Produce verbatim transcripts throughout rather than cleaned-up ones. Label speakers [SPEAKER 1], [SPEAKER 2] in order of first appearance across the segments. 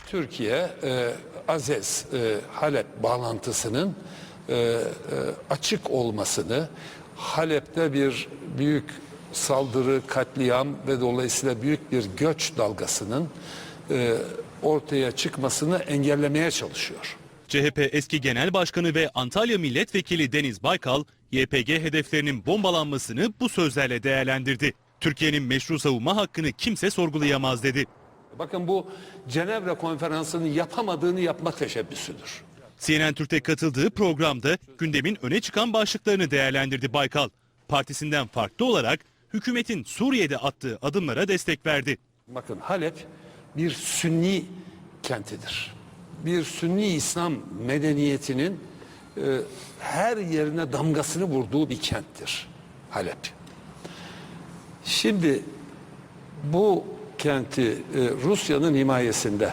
[SPEAKER 1] Türkiye, e, Azez, e, Halep bağlantısının e, e, açık olmasını, Halep'te bir büyük saldırı, katliam ve dolayısıyla büyük bir göç dalgasının e, ortaya çıkmasını engellemeye çalışıyor.
[SPEAKER 2] C H P eski genel başkanı ve Antalya milletvekili Deniz Baykal, Y P G hedeflerinin bombalanmasını bu sözlerle değerlendirdi. Türkiye'nin meşru savunma hakkını kimse sorgulayamaz dedi.
[SPEAKER 1] Bakın bu Cenevre Konferansı'nın yapamadığını yapma teşebbüsüdür.
[SPEAKER 2] C N N Türk'te katıldığı programda gündemin öne çıkan başlıklarını değerlendirdi Baykal. Partisinden farklı olarak hükümetin Suriye'de attığı adımlara destek verdi.
[SPEAKER 1] Bakın Halep bir Sünni kentidir. Bir Sünni İslam medeniyetinin e, her yerine damgasını vurduğu bir kenttir Halep. Şimdi bu kenti e, Rusya'nın himayesinde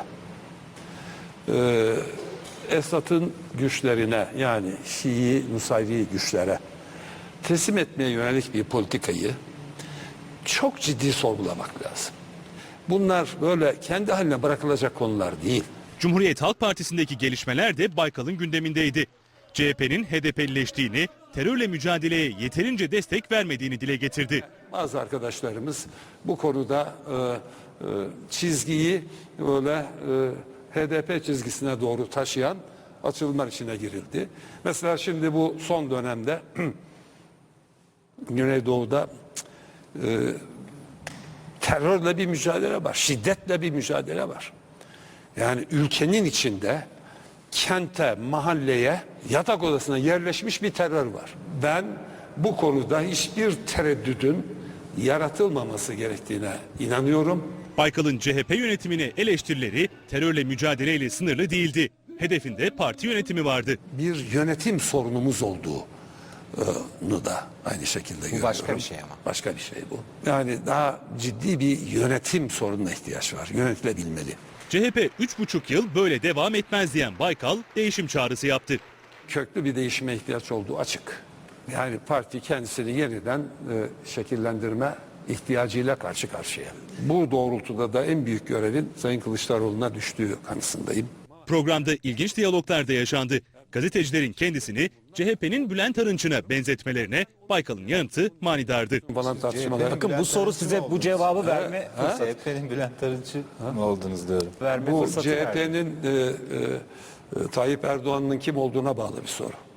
[SPEAKER 1] e, Esad'ın güçlerine, yani Şii Nusayri güçlere teslim etmeye yönelik bir politikayı çok ciddi sorgulamak lazım. Bunlar böyle kendi haline bırakılacak konular değil.
[SPEAKER 2] Cumhuriyet Halk Partisi'ndeki gelişmeler de Baykal'ın gündemindeydi. C H P'nin H D P'lileştiğini, terörle mücadeleye yeterince destek vermediğini dile getirdi.
[SPEAKER 1] Bazı arkadaşlarımız bu konuda e, e, çizgiyi böyle e, H D P çizgisine doğru taşıyan açılımlar içine girildi. Mesela şimdi bu son dönemde Güneydoğu'da e, terörle bir mücadele var, şiddetle bir mücadele var. Yani ülkenin içinde kente, mahalleye, yatak odasına yerleşmiş bir terör var. Ben bu konuda hiçbir tereddüdün yaratılmaması gerektiğine inanıyorum.
[SPEAKER 2] Baykal'ın C H P yönetimine eleştirileri terörle mücadeleyle sınırlı değildi. Hedefinde parti yönetimi vardı.
[SPEAKER 1] Bir yönetim sorunumuz olduğunu da aynı şekilde görüyorum.
[SPEAKER 3] Bu başka bir şey ama.
[SPEAKER 1] Başka bir şey bu. Yani daha ciddi bir yönetim sorununa ihtiyaç var. Yönetilebilmeli.
[SPEAKER 2] C H P üç buçuk yıl böyle devam etmez diyen Baykal değişim çağrısı yaptı.
[SPEAKER 1] Köklü bir değişime ihtiyaç olduğu açık. Yani parti kendisini yeniden e, şekillendirme ihtiyacıyla karşı karşıya. Bu doğrultuda da en büyük görevin Sayın Kılıçdaroğlu'na düştüğü kanısındayım.
[SPEAKER 2] Programda ilginç diyaloglar da yaşandı. Gazetecilerin kendisini C H P'nin Bülent Arınç'ına benzetmelerine Baykal'ın yanıtı manidardı.
[SPEAKER 1] Falan tartışmalar.
[SPEAKER 3] Bakın bu soru size bu cevabı verme
[SPEAKER 4] C H P'nin Bülent Arınç'ı mı oldunuz diyorum.
[SPEAKER 3] verme
[SPEAKER 1] Bu
[SPEAKER 3] fırsatı verdi.
[SPEAKER 1] C H P'nin e, e, Tayyip Erdoğan'ın kim olduğuna bağlı bir soru.